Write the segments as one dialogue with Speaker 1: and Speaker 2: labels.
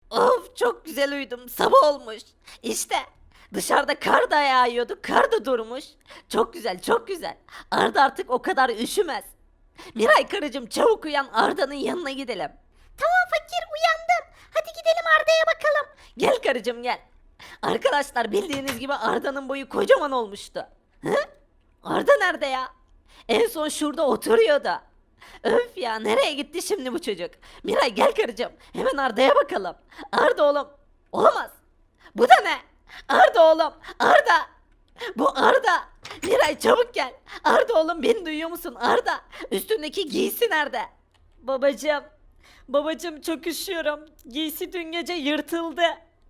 Speaker 1: Of çok güzel uyudum. Sabah olmuş. İşte dışarıda kar da yağıyordu. Kar da durmuş. Çok güzel çok güzel. Arda artık o kadar üşümez. Miray karıcığım çabuk uyan Arda'nın yanına gidelim. Tamam fakir uyandım. Hadi gidelim Arda'ya bakalım. Gel karıcığım gel. Arkadaşlar bildiğiniz gibi Arda'nın boyu kocaman olmuştu. Hı? Arda nerede ya? En son şurada oturuyordu. Öf ya nereye gitti şimdi bu çocuk? Miray gel karıcığım. Hemen Arda'ya bakalım. Arda oğlum. Olamaz. Bu da ne? Arda oğlum. Arda. Bu Arda. Miray çabuk gel. Arda oğlum beni duyuyor musun? Arda. Üstündeki giysi nerede? Babacığım. Babacığım çok üşüyorum. Giysi dün gece yırtıldı.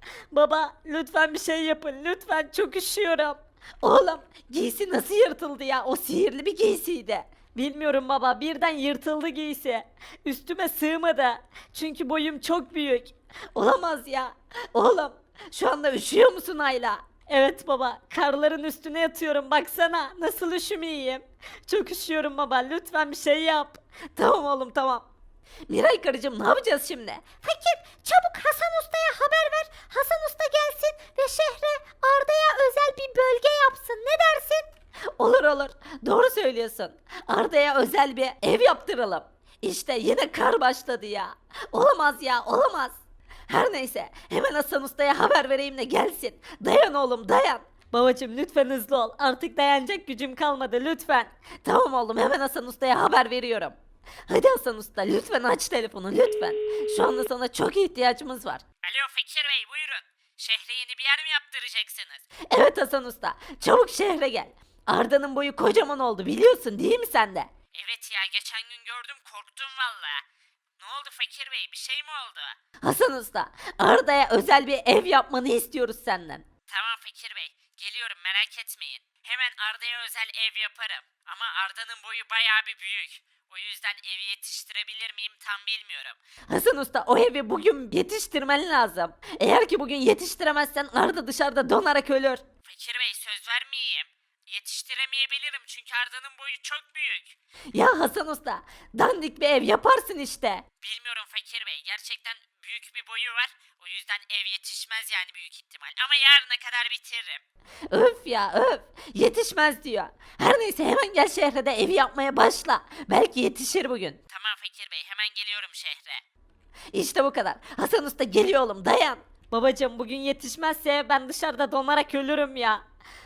Speaker 1: Baba lütfen bir şey yapın. Lütfen çok üşüyorum. Oğlum giysi nasıl yırtıldı ya? O sihirli bir giysiydi. Bilmiyorum baba birden yırtıldı giysi. Üstüme sığmadı. Çünkü boyum çok büyük. Olamaz ya. Oğlum şu anda üşüyor musun Ayla? Evet baba karların üstüne yatıyorum baksana nasıl üşümeyeyim. Çok üşüyorum baba lütfen bir şey yap. Tamam oğlum tamam. Miray karıcığım ne yapacağız şimdi? Fakir çabuk Hasan Usta'ya haber ver. Hasan Usta gelsin ve şehre Arda'ya özel bir bölge yapsın. Ne dersin? Olur olur. Doğru söylüyorsun. Arda'ya özel bir ev yaptıralım. İşte yine kar başladı ya. Olamaz ya olamaz. Her neyse hemen Hasan Usta'ya haber vereyim de gelsin. Dayan oğlum dayan. Babacım lütfen hızlı ol. Artık dayanacak gücüm kalmadı lütfen. Tamam oğlum hemen Hasan Usta'ya haber veriyorum. Hadi Hasan Usta lütfen aç telefonu lütfen. Şu anda sana çok ihtiyacımız var.
Speaker 2: Alo Fakir Bey buyurun. Şehre yeni bir yer mi yaptıracaksınız?
Speaker 1: Evet Hasan Usta çabuk şehre gel. Arda'nın boyu kocaman oldu biliyorsun değil mi sen de?
Speaker 2: Evet ya geçen gün gördüm korktum valla. Ne oldu Fakir Bey bir şey mi oldu?
Speaker 1: Hasan Usta Arda'ya özel bir ev yapmanı istiyoruz senden.
Speaker 2: Tamam Fakir Bey geliyorum merak etmeyin. Hemen Arda'ya özel ev yaparım. Ama Arda'nın boyu bayağı bir büyük. O yüzden evi yetiştirebilir miyim tam bilmiyorum.
Speaker 1: Hasan Usta o evi bugün yetiştirmen lazım. Eğer ki bugün yetiştiremezsen Arda dışarıda donarak ölür.
Speaker 2: Fakir Bey söz vermeyeyim. Yetiştiremeyebilirim çünkü Arda'nın boyu çok büyük.
Speaker 1: Ya Hasan Usta dandik bir ev yaparsın işte.
Speaker 2: Bilmiyorum Fakir Bey gerçekten büyük bir boyu var. O yüzden ev yetişmez yani büyük ihtimal. Ama yarına kadar bitiririm.
Speaker 1: Öf ya öf. Yetişmez diyor. Her neyse hemen gel şehre de evi yapmaya başla. Belki yetişir bugün.
Speaker 2: Tamam Fakir Bey hemen geliyorum şehre.
Speaker 1: İşte bu kadar. Hasan Usta geliyor oğlum dayan. Babacım bugün yetişmezse ben dışarıda donarak ölürüm ya.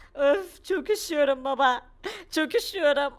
Speaker 1: Öf çok üşüyorum baba. Çok üşüyorum.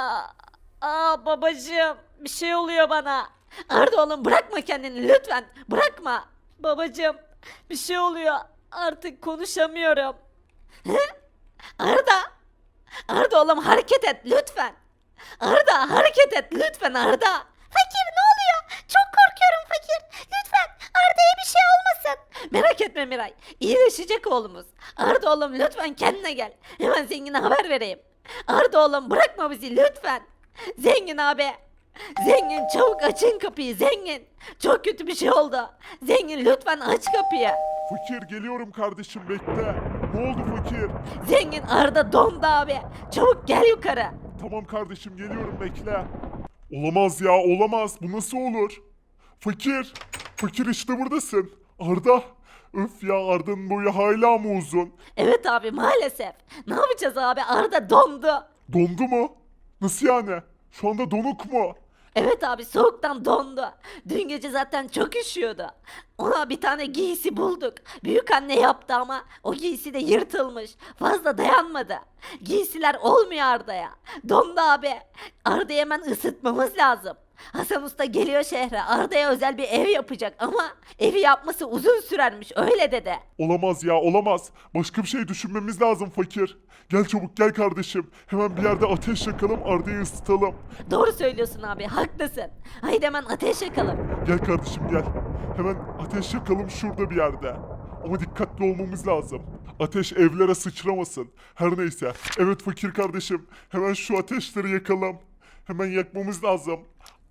Speaker 1: Babacım bir şey oluyor bana. Arda oğlum bırakma kendini lütfen. Bırakma. Babacım bir şey oluyor. Artık konuşamıyorum. Arda. Arda oğlum hareket et lütfen. Arda hareket et lütfen Arda. Fakir ne oluyor? Çok korkuyorum fakir. Lütfen Arda'ya bir şey olmasın. Merak etme Miray. İyileşecek oğlumuz. Arda oğlum lütfen kendine gel. Hemen zengine haber vereyim. Arda oğlum bırakma bizi lütfen. Zengin abi. Zengin çabuk açın kapıyı zengin. Çok kötü bir şey oldu. Zengin lütfen aç kapıyı.
Speaker 3: Fakir geliyorum kardeşim bekle. Ne oldu fakir?
Speaker 1: Zengin Arda dondu abi. Çabuk gel yukarı.
Speaker 3: Tamam kardeşim geliyorum bekle. Olamaz ya olamaz. Bu nasıl olur? Fakir. Fakir işte buradasın. Arda. Öf ya Arda'nın boyu hala mı uzun?
Speaker 1: Evet abi maalesef. Ne yapacağız abi? Arda dondu.
Speaker 3: Dondu mu? Nasıl yani? Şu anda donuk mu?
Speaker 1: Evet abi soğuktan dondu. Dün gece zaten çok üşüyordu. Ona bir tane giysi bulduk. Büyük anne yaptı ama o giysi de yırtılmış. Fazla dayanmadı. Giysiler olmuyor Arda'ya. Dondu abi. Arda'yı hemen ısıtmamız lazım. Hasan Usta geliyor şehre. Arda'ya özel bir ev yapacak ama evi yapması uzun sürermiş öyle dedi.
Speaker 3: Olamaz ya olamaz. Başka bir şey düşünmemiz lazım fakir. Gel çabuk gel kardeşim. Hemen bir yerde ateş yakalım Arda'yı ısıtalım.
Speaker 1: Doğru söylüyorsun abi haklısın. Haydi hemen ateş yakalım.
Speaker 3: Gel kardeşim gel. Hemen ateş yakalım şurada bir yerde. Ama dikkatli olmamız lazım. Ateş evlere sıçramasın. Her neyse. Evet fakir kardeşim. Hemen şu ateşleri yakalım. Hemen yakmamız lazım.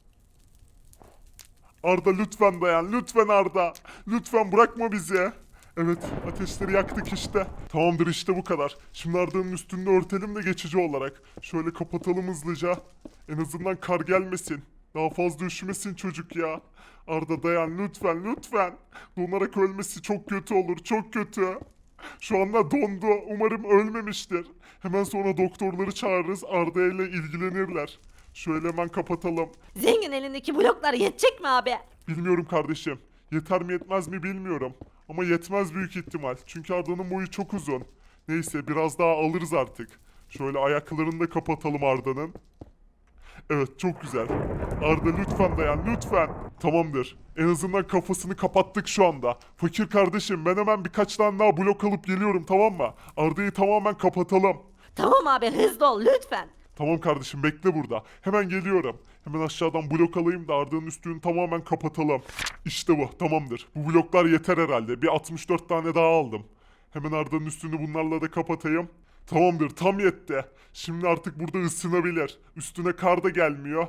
Speaker 3: Arda lütfen dayan. Lütfen Arda. Lütfen bırakma bizi. Evet ateşleri yaktık işte. Tamamdır işte bu kadar. Şimdi Arda'nın üstünde örtelim de geçici olarak. Şöyle kapatalım hızlıca. En azından kar gelmesin. Daha fazla üşümesin çocuk ya. Arda dayan lütfen lütfen. Donarak ölmesi çok kötü olur çok kötü. Şu anda dondu. Umarım ölmemiştir. Hemen sonra doktorları çağırırız. Arda ile ilgilenirler. Şöyle hemen kapatalım.
Speaker 1: Zengin elindeki bloklar yetecek mi abi?
Speaker 3: Bilmiyorum kardeşim. Yeter mi yetmez mi bilmiyorum. Ama yetmez büyük ihtimal. Çünkü Arda'nın boyu çok uzun. Neyse biraz daha alırız artık. Şöyle ayaklarını da kapatalım Arda'nın. Evet çok güzel. Arda lütfen dayan lütfen. Tamamdır. En azından kafasını kapattık şu anda. Fakir kardeşim ben hemen birkaç tane daha blok alıp geliyorum tamam mı? Arda'yı tamamen kapatalım.
Speaker 1: Tamam abi hızlı ol lütfen.
Speaker 3: Tamam kardeşim bekle burada. Hemen geliyorum. Hemen aşağıdan blok alayım da Arda'nın üstünü tamamen kapatalım. İşte bu tamamdır. Bu bloklar yeter herhalde. Bir 64 tane daha aldım. Hemen Arda'nın üstünü bunlarla da kapatayım. Tamamdır tam yetti. Şimdi artık burada ısınabilir. Üstüne kar da gelmiyor.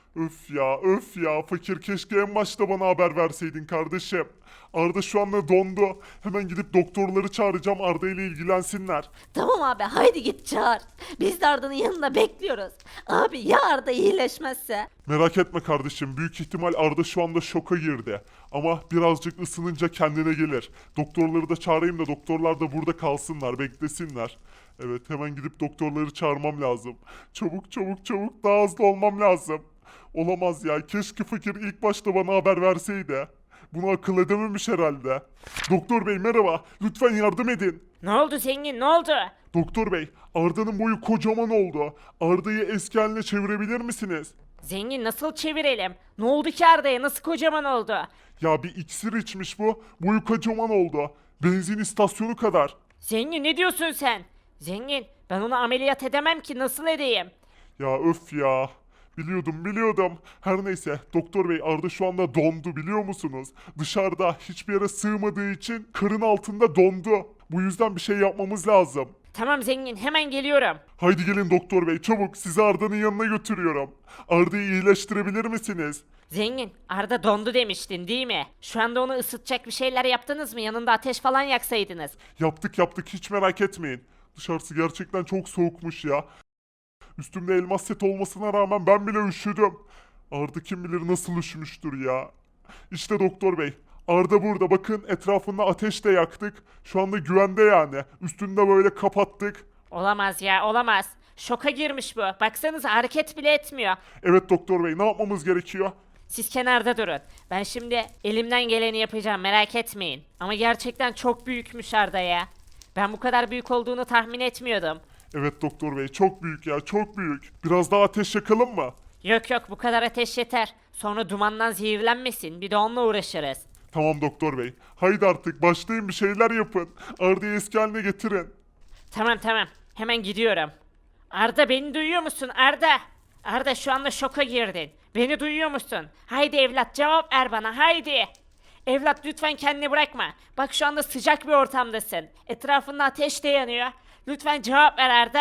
Speaker 3: Öf ya fakir keşke en başta bana haber verseydin kardeşim. Arda şu anda dondu. Hemen gidip doktorları çağıracağım Arda ile ilgilensinler.
Speaker 1: Tamam abi haydi git çağır. Biz de Arda'nın yanında bekliyoruz. Abi ya Arda iyileşmezse?
Speaker 3: Merak etme kardeşim büyük ihtimal Arda şu anda şoka girdi. Ama birazcık ısınınca kendine gelir. Doktorları da çağırayım da doktorlar da burada kalsınlar beklesinler. Evet hemen gidip doktorları çağırmam lazım. Çabuk çabuk çabuk daha hızlı olmam lazım. Olamaz ya keşke fakir ilk başta bana haber verseydi. Bunu akıl edememiş herhalde. Doktor bey merhaba lütfen yardım edin.
Speaker 2: Ne oldu zengin ne oldu?
Speaker 3: Doktor bey Arda'nın boyu kocaman oldu. Arda'yı eski haline çevirebilir misiniz?
Speaker 2: Zengin nasıl çevirelim? Ne oldu ki Arda'ya nasıl kocaman oldu?
Speaker 3: Ya bir iksir içmiş bu. Boyu kocaman oldu. Benzin istasyonu kadar.
Speaker 2: Zengin ne diyorsun sen? Zengin ben onu ameliyat edemem ki nasıl edeyim?
Speaker 3: Ya öf ya. Biliyordum. Her neyse doktor bey Arda şu anda dondu biliyor musunuz? Dışarıda hiçbir yere sığmadığı için karın altında dondu. Bu yüzden bir şey yapmamız lazım.
Speaker 2: Tamam zengin hemen geliyorum.
Speaker 3: Haydi gelin doktor bey çabuk sizi Arda'nın yanına götürüyorum. Arda'yı iyileştirebilir misiniz?
Speaker 2: Zengin Arda dondu demiştin değil mi? Şu anda onu ısıtacak bir şeyler yaptınız mı? Yanında ateş falan yaksaydınız.
Speaker 3: Yaptık hiç merak etmeyin. Dışarısı gerçekten çok soğukmuş ya. Üstümde elmas set olmasına rağmen ben bile üşüdüm. Arda kim bilir nasıl üşümüştür ya. İşte doktor bey. Arda burada bakın etrafında ateş de yaktık. Şu anda güvende yani. Üstünü de böyle kapattık.
Speaker 2: Olamaz ya olamaz. Şoka girmiş bu. Baksanıza hareket bile etmiyor.
Speaker 3: Evet doktor bey ne yapmamız gerekiyor?
Speaker 2: Siz kenarda durun. Ben şimdi elimden geleni yapacağım merak etmeyin. Ama gerçekten çok büyükmüş Arda ya. Ben bu kadar büyük olduğunu tahmin etmiyordum.
Speaker 3: Evet doktor bey çok büyük ya çok büyük. Biraz daha ateş yakalım mı?
Speaker 2: Yok yok bu kadar ateş yeter. Sonra dumandan zehirlenmesin. Bir de onunla uğraşırız.
Speaker 3: Tamam doktor bey. Haydi artık başlayın bir şeyler yapın. Arda'yı eski haline getirin.
Speaker 2: Tamam tamam. Hemen gidiyorum. Arda beni duyuyor musun Arda? Arda şu anda şoka girdin. Beni duyuyor musun? Haydi evlat cevap ver bana haydi. Evlat lütfen kendini bırakma. Bak şu anda sıcak bir ortamdasın. Etrafında ateş de yanıyor. Lütfen cevap ver Arda.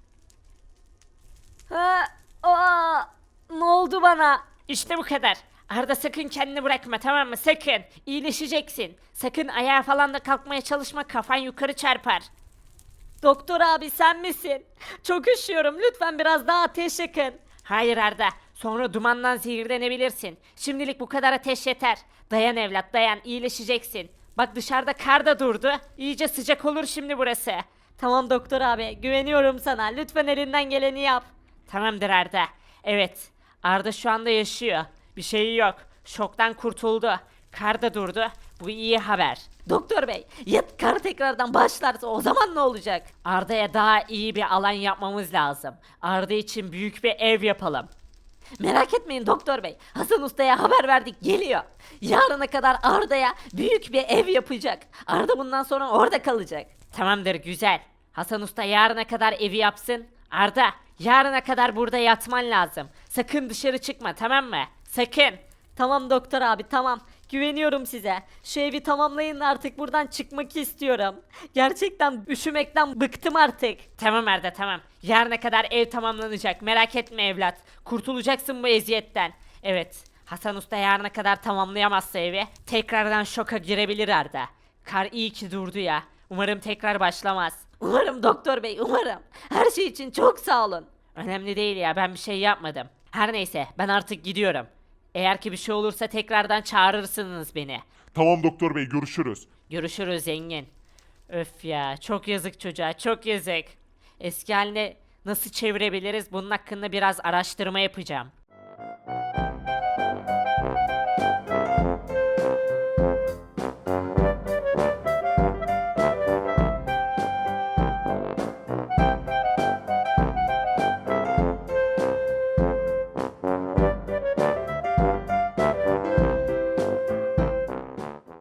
Speaker 1: Ha, aa, ne oldu bana?
Speaker 2: İşte bu kadar. Arda sakın kendini bırakma tamam mı? Sakın. İyileşeceksin. Sakın ayağa falan da kalkmaya çalışma kafan yukarı çarpar.
Speaker 1: Doktor abi sen misin? Çok üşüyorum lütfen biraz daha ateş yakın.
Speaker 2: Hayır Arda. Sonra dumandan zehirlenebilirsin. Şimdilik bu kadar ateş yeter. Dayan evlat dayan iyileşeceksin. Bak dışarıda kar da durdu. İyice sıcak olur şimdi burası.
Speaker 1: Tamam doktor abi güveniyorum sana lütfen elinden geleni yap.
Speaker 2: Tamamdır Arda. Evet. Arda şu anda yaşıyor. Bir şeyi yok. Şoktan kurtuldu. Kar da durdu. Bu iyi haber.
Speaker 1: Doktor bey ya kar tekrardan başlarsa o zaman ne olacak?
Speaker 2: Arda'ya daha iyi bir alan yapmamız lazım. Arda için büyük bir ev yapalım.
Speaker 1: Merak etmeyin doktor bey. Hasan Usta'ya haber verdik geliyor. Yarına kadar Arda'ya büyük bir ev yapacak. Arda bundan sonra orada kalacak.
Speaker 2: Tamamdır güzel. Hasan Usta yarına kadar evi yapsın. Arda yarına kadar burada yatman lazım. Sakın dışarı çıkma tamam mı? Sakın.
Speaker 1: Tamam doktor abi tamam. Güveniyorum size. Şu evi tamamlayın da artık buradan çıkmak istiyorum. Gerçekten üşümekten bıktım artık.
Speaker 2: Tamam Arda tamam. Yarına kadar ev tamamlanacak. Merak etme evlat. Kurtulacaksın bu eziyetten. Evet. Hasan Usta yarına kadar tamamlayamazsa evi tekrardan şoka girebilir Arda. Kar iyi ki durdu ya. Umarım tekrar başlamaz.
Speaker 1: Umarım doktor bey umarım. Her şey için çok sağ olun.
Speaker 2: Önemli değil ya ben bir şey yapmadım. Her neyse ben artık gidiyorum. Eğer ki bir şey olursa tekrardan çağırırsınız beni.
Speaker 3: Tamam doktor bey, görüşürüz.
Speaker 2: Görüşürüz zengin. Öf ya, çok yazık çocuğa, çok yazık. Eski haline nasıl çevirebiliriz bunun hakkında biraz araştırma yapacağım.